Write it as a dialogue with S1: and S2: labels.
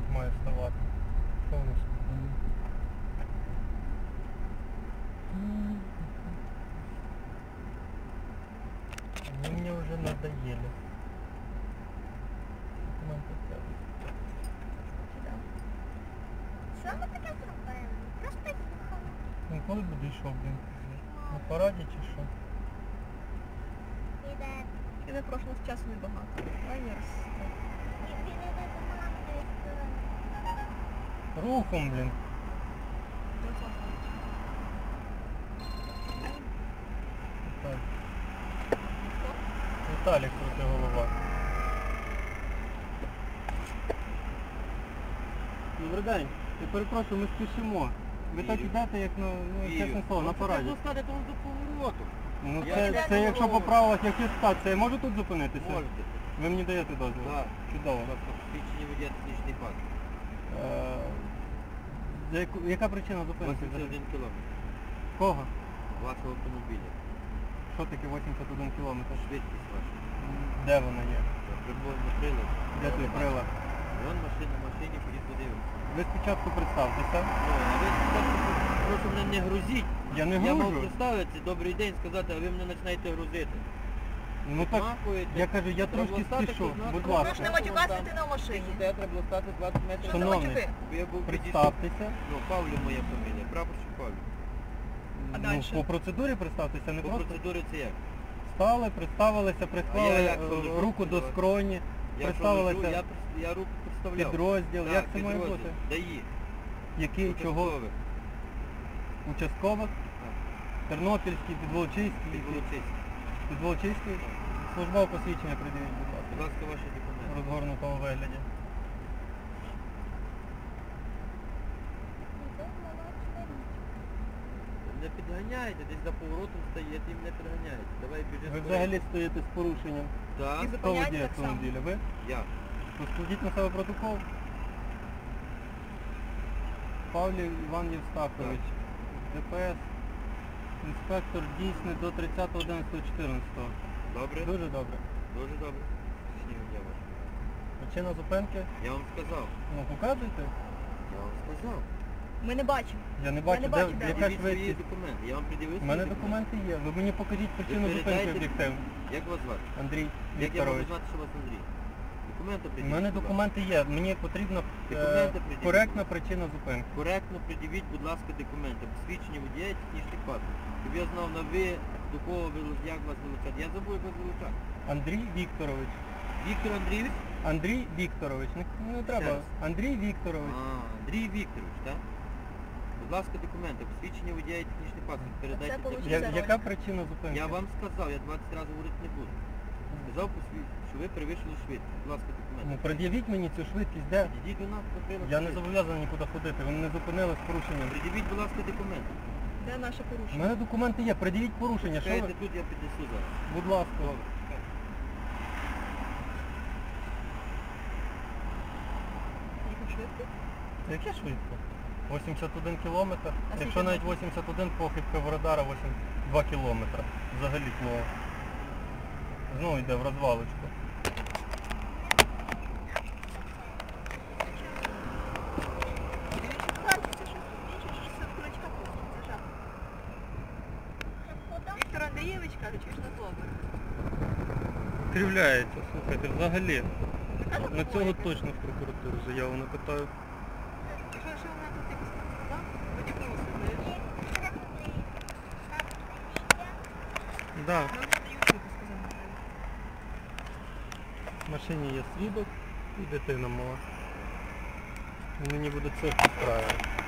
S1: тут має ставати. Що у нас? Они мне уже надоели. Документы тягут.
S2: Що ми таке зробили? Просто їхали.
S1: Ну коли буде йшов, блін? На параді чи що?
S2: Іде.
S3: Іде прошлого часу небагато. Лайнер.
S2: Він іде до маминої сторони.
S1: Рухом, блін. Так. Віталік крути голова. Добрий день. Я перепрошую, ми спішимо. Ви так йдете, як на, чесне слово, на параді.
S4: Це стати там до повороту.
S1: Ну
S4: Я
S1: це якщо по правилах якісь стація, я можу тут зупинитися?
S4: Можете.
S1: Ви мені даєте дозвіл?
S4: Так.
S1: Чудово.
S4: Свідчення водія технічний пак.
S1: Яка причина зупинки?
S4: 81 кілометр.
S1: Кого?
S4: Вашого автомобіля.
S1: Що таке 81 кілометр?
S4: Швидкість ваша.
S1: Де вона є?
S4: Приборний прилад.
S1: Де той прилад?
S4: Вон машина в машині, ходіть подивимося.
S1: Ви спочатку представтеся.
S4: Ну, а ви спочатку прошу мене не грузіть.
S1: Я не
S4: Я мав
S1: гружу.
S4: представитися, добрий день сказати, а ви мене починаєте грузити.
S1: Ну так,
S4: Махуєте.
S1: я кажу, я
S4: Треба
S1: трошки
S4: стати
S1: спішу,
S4: тут,
S1: будь
S4: ну,
S1: ласка.
S3: Прошу не матюкатися, ти на машині.
S4: Де треба було стати 20 метрів.
S3: Що за
S1: Шановний,
S3: матюки?
S4: Я був
S1: Представтеся.
S4: Ну, Павлів моя фамілія, прапорщик Павлів.
S3: А
S1: Ну,
S3: дальше?
S1: по процедурі представтеся, не
S4: По
S1: просто
S4: процедурі це як?
S1: стали, представилися,
S4: А
S1: приклали
S4: я як лежу?
S1: руку до скроні,
S4: Я що
S1: представилися
S4: лежу, я руку представляв.
S1: підрозділ.
S4: Так,
S1: Як це має
S4: підрозділ.
S1: бути?
S4: ДАІ.
S1: Який, чого?
S4: Участкових.
S1: Участкових?
S4: Так.
S1: Тернопільський, Підволочиський.
S4: Підволочиський.
S1: Підволочиський. Службове посвідчення придивіть, будь ласка.
S4: Будь ласка, ваші
S1: В
S4: документи.
S1: розгорнутому вигляді.
S2: Іде молочна річ.
S4: Не підганяйте, десь за поворотом стаєте і мене підганяєте. Давай біжи.
S1: Ви взагалі стоїте з порушенням.
S4: Так,
S3: І
S1: Хто
S3: зупиняйте
S1: водій
S3: так само.
S1: автомобіля? Ви?
S4: я.
S1: То складіть на себе протокол. Павлів Іван Євстахович, ДПС, інспектор дійсний до 30.11.14.
S4: Добре?
S1: Дуже добре.
S4: Дуже добре. Снігом я ваш.
S1: Причина зупинки?
S4: Я вам сказав.
S1: Ну показуйте.
S4: Я вам сказав.
S3: Ми не бачимо.
S1: Я не бачу,
S3: не
S1: де,
S3: бачу, де.
S1: яка
S4: Придивіть свої
S1: швидкість.
S4: документи. Я вам придивив
S1: У
S4: свої
S1: мене
S4: документи.
S1: документи є. Ви мені покажіть причину зупинки
S4: передайте-
S1: об'єктивно.
S4: Як вас звати?
S1: Андрій
S4: Як я можу
S1: Вікторович.
S4: знати, що вас Андрій? Документи
S1: У
S4: придивіть.
S1: мене
S4: будь ласка.
S1: документи є. Мені потрібна
S4: Документи придивіть.
S1: коректна причина зупинки.
S4: Коректно придивіть, будь ласка, документи. Посвідчення водія і технічний паспорт. Щоб я знав на ви, до кого ви, як вас вилучати. Я забув, як вас вилучати.
S1: Андрій Вікторович.
S4: Віктор Андрійович?
S1: Андрій Вікторович. Не треба.
S4: раз.
S1: Андрій Вікторович.
S4: Андрій Вікторович, так? Будь ласка, документи. Посвідчення водія і технічний паспорт. Передайте.
S3: Це получить.
S4: технічний.
S1: Яка причина зупинки?
S4: Я вам сказав, я 20 разів говорити не буду. Сказав що ви перевищили швидкість. Будь ласка,
S1: Ну,
S4: документи.
S1: пред'явіть мені цю швидкість, де?
S4: Підійдіть до нас, потрібно.
S1: Я не зобов'язаний нікуди ходити, ви мене зупинили з порушенням.
S4: Придивіть, будь ласка, документи.
S3: Де наше
S1: У
S3: порушення?
S1: мене документи є, пред'явіть порушення, що
S4: Чекайте
S1: ви?
S4: тут, я піднесу зараз.
S1: Будь ласка.
S4: Добре, чекайте.
S3: Їхав швидко?
S1: Це яке швидко? 81 кілометр.
S3: скільки
S1: Якщо навіть
S3: метрів?
S1: 81, похибка в радара 82 кілометри. Взагалі плохо. Знову йде в розвалочку.
S3: Віктор Андрійович каже, чи ж не добре?
S1: Кривляється, слухайте, взагалі. На цього точно в прокуратуру заяву напитаю.
S3: Що вона тут якось там сказав? Потягнулося, знаєш?
S1: Да,
S3: Нам надають, що ти сказав.
S1: в машині є свідок і дитина мала. І мені буде це підправити.